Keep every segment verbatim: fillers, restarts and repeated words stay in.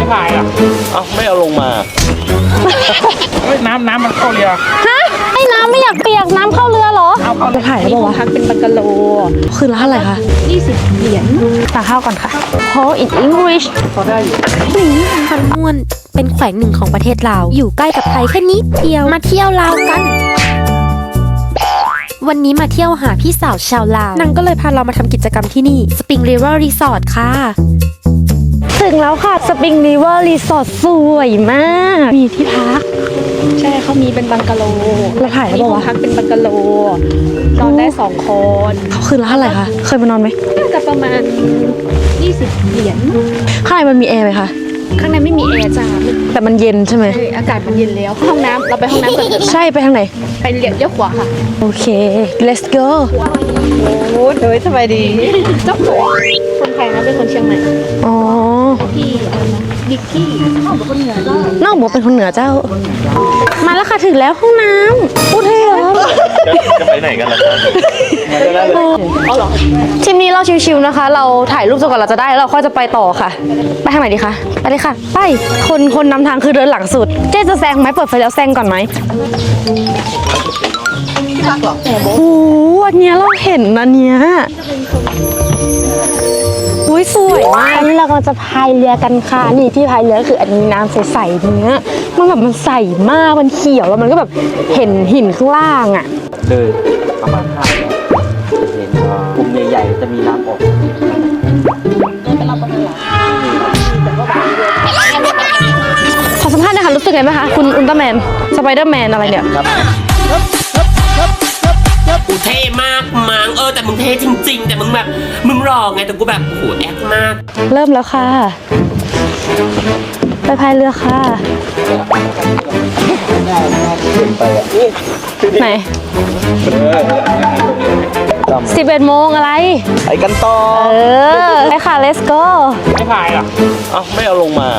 พายอ่ะเอ้าไม่เอาลงมาเฮ้ยน้ำน้ำมันเข้าเรือฮะไอ้น้ำไม่อยากเปียกน้ำเข้าเรือเหรอเอาเข้าจะถ่ายได้ป่าวะพักเป็นบังกะโลคืนละเท่าไหร่คะยี่สิบเหรียญสั่งข้าวก่อนค่ะ Hold in English พอได้อยู่พันม่วนเป็นแขวงหนึ่งของประเทศลาวอยู่ใกล้กับไทยแค่นิดเดียวมาเที่ยวลาวกันวันนี้มาเที่ยวหาพี่สาวชาวลาวนางก็เลยพาเรามาทำกิจกรรมที่นี่ Spring River Resort ค่ะถึงแล้วค่ะ Spring River Resort สวยมากมีที่พักใช่เขามีเป็นบังกะโลเราถ่ายได้ป่าวะพักเป็นบังกะโลนอนได้สองคนเขาคืนละเท่าไหร่คะเคยมานอนไหมน่าจะประมาณยี่สิบเหรียญข้างในมันมีแอร์ไหมคะข้างในไม่มีแอร์จ้าแต่มันเย็นใช่ไหมอากาศมันเย็นแล้วห้องน้ำเราไปห้องน้ำกันใช่ไปทางไหนไปเลี้ยวขวาค่ะโอเค let's go โอ้โดยสบายดีเจ้าของคนไทยนะเป็นคนเชียงใหม่อ๋อพี่อะไรนะดิกกี้น้องบอกคนเหนือเจ้าน้องบอกเป็นคนเหนือเจ้ามาแล้วค่ะถึงแล้วห้องน้ำพูดเท่เหรอจะไปไหนกันล่ะครับอ๋อเหรอทีมนี้เราชิวๆนะคะเราถ่ายรูปจนกว่าเราจะได้แล้วเราค่อยจะไปต่อค่ะไปทางไหนดีคะไปเลยค่ะไปคนคนนำทางคือเดินหลังสุดเจ๊จะแซงไหมเปิดไฟแล้วแซงก่อนไหมโอ้โหอันเนี้ยเราเห็นอันเนี้ยอุ้ยสวยมากนี่เรากำลังจะพายเรือกันค่ะนี่ที่พายเรือคืออันนี้น้ำใสๆเนี้ยมันแบบมันใสมากมันเขียวแล้วมันก็แบบเห็นหินข้างล่างอ่ะเลยประมาณห้าเห็นกลุ่มใหญ่ๆจะมีน้ำออกขอสัมภาษณ์หน่อยค่ะรู้สึกไงไหมคะคุณอุลตร้าแมนสไปเดอร์แมนอะไรเนี่ยกูเท่มากมังเออแต่มึงเท่จริงๆแต่มึงแบบมึงหล่อไงแต่กูแบบโหแอคมากเริ่มแล้วค่ะไปพายเรือค่ะไหนสิบเอ็ดโมงอะไรไปกันต่อเออไปค่ะ let's go ไม่พายอ่ะเอ้าไม่เอาลงมา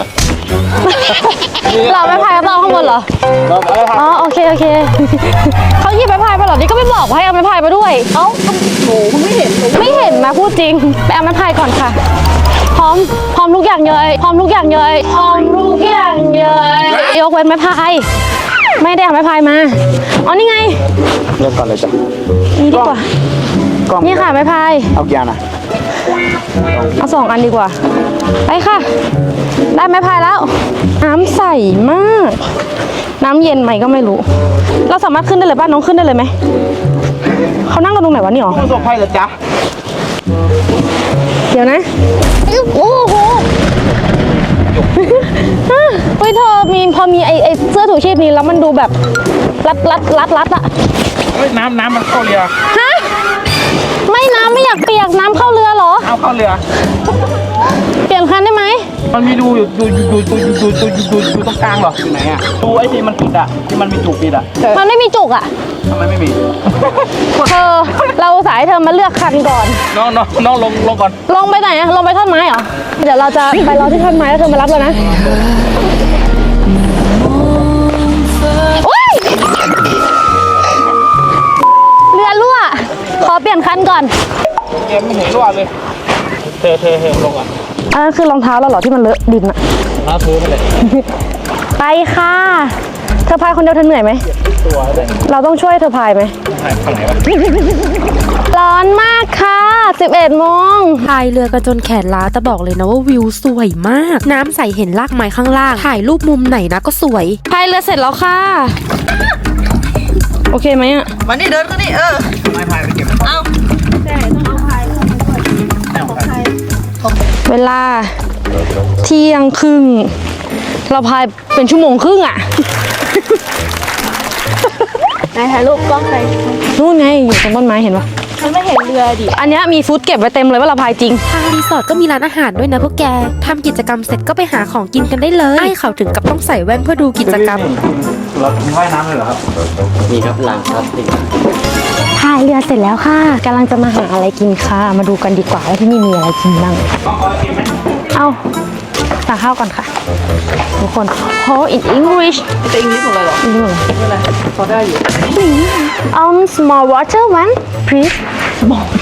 เราไม่พายก็ต้องข้างบนเหรออ๋อโอเคโอเคเขาหยิบไปพายไปหรอนี่ก็ไม่บอกให้เอาไปพายไปด้วยเอ้าโหไม่เห็นไม่เห็นนะพูดจริงไปเอาไม้พายก่อนค่ะพร้อมพร้อมทุกอย่างเลยพร้อมทุกอย่างเลยพร้อมทุกอย่างเลยยกเว้นไม้พายไม่ได้เอาไม้พายมาอ๋อนี่ไงเริ่มก่อนเลยจ้ะนี่ดีกว่านี่ค่ะไม้พายเอากี่อันอ่ะเอาสองอันดีกว่าไปค่ะได้ไม้พายแล้วน้ำใสมากน้ำเย็นไหมก็ไม่รู้เราสามารถขึ้นได้เลยบ้านน้องขึ้นได้เลยไหมเขานั่งกันตรงไหนวะนี่หรอส่งไพ่เหรอจ๊ะเดี๋ยวนะโอ้โหเฮ้ยเธอมีพอมีไอไอเสื้อถูชีพนี้แล้วมันดูแบบรัดรัดรัดรัดอะเฮ้ยน้ำน้ำมันเข้าเรือฮะไม่น้ำไม่อยากเปียกน้ำเข้าเรือเหรอเอาเข้าเรือเปลี่ยนคันได้ไหมมันมีดูอยู่ดูดูดูดูดูดูดูดูตรงกลางเหรออยู่ไหนอ่ะดูไอ้ที่มันปิดอ่ะที่มันมีจุกปิดอ่ะมันไม่มีจุกอ่ะทำไมไม่มีเธอเราสายเธอมาเลือกคันก่อนน้องน้องน้องลงลงก่อนลงไปไหนอะลงไปท่อนไม้เหรอเดี๋ยวเราจะไปรอที่ท่อนไม้แล้วเธอมารับเรานะเรือรั่วขอเปลี่ยนคันก่อนเกมไม่เห็นรั่วเลยเธอเธอเธอลงอ่ะอันนั้นคือรองเท้าเราเหรอที่มันเลอะดินอะรองเท้าพื้นเลยไปค่ะเธอพายคนเดียวเธอเหนื่อยไหมเราต้องช่วยเธอพายไหมร้อนมากค่ะสิบเอ็ดโมงพายเรือกันจนแขนล้าแต่บอกเลยนะว่าวิวสวยมากน้ำใสเห็นรากไม้ข้างล่างถ่ายรูปมุมไหนนะก็สวยพายเรือเสร็จแล้วค่ะโอเคไหมอ่ะวันนี้เดินก็นี่เออไม่พายไปเก็บเอาใช่ต้องเอาพายของพายเวลาเที่ยงครึ่งเราพายเป็นชั่วโมงครึ่งอ่ะไหนถ่ายรูปกล้องใครนู่นไงอยู่ตรงต้นไม้เห็นปะมันไม่เห็นเรือดิอันนี้มีฟู้ดเก็บไว้เต็มเลยว่าเราพายจริงทางรีสอร์ทก็มีร้านอาหารด้วยนะพวกแกทำกิจกรรมเสร็จก็ไปหาของกินกันได้เลยไอ้เขาถึงกับต้องใส่แว่นเพื่อดูกิจกรรมเราว่ายน้ำเลยเหรอครับมีครับล้างครับติพายเรือเสร็จแล้วค่ะกำลังจะมาหาอะไรกินค่ะมาดูกันดีกว่าว่าที่นี่มีอะไรกินบ้างเอาสั่งข้าวก่อนค่ะทุกคน Hold in English จะอังกฤษหมดเลยเหรออังกฤษหมดเลยไม่เป็นไรพอได้อยู่ um small water one please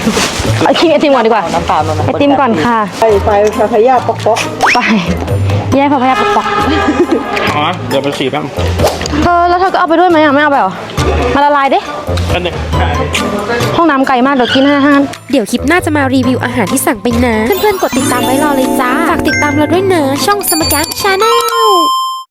เอาคิงไอติมก่อนดีกว่าน้ำตาลไอติมก่อนค่ะไปไปพายาป๊อกป๊อกไปแย่งพาพายาปอกอ๋อเดี๋ยวไปฉีดแป๊บเธอแล้วเธอก็เอาไปด้วยไหมอ่ะไม่เอาไปเหรอมาละลายดิอันนี้ห้องน้ำไกลมากเดี๋ยวกินอาหารเดี๋ยวคลิปหน้าจะมารีวิวอาหารที่สั่งไปนะ เพื่อนๆกดติดตามไว้รอเลยจ้า ฝากติดตามเราด้วยเนอะช่องสมการชาแนล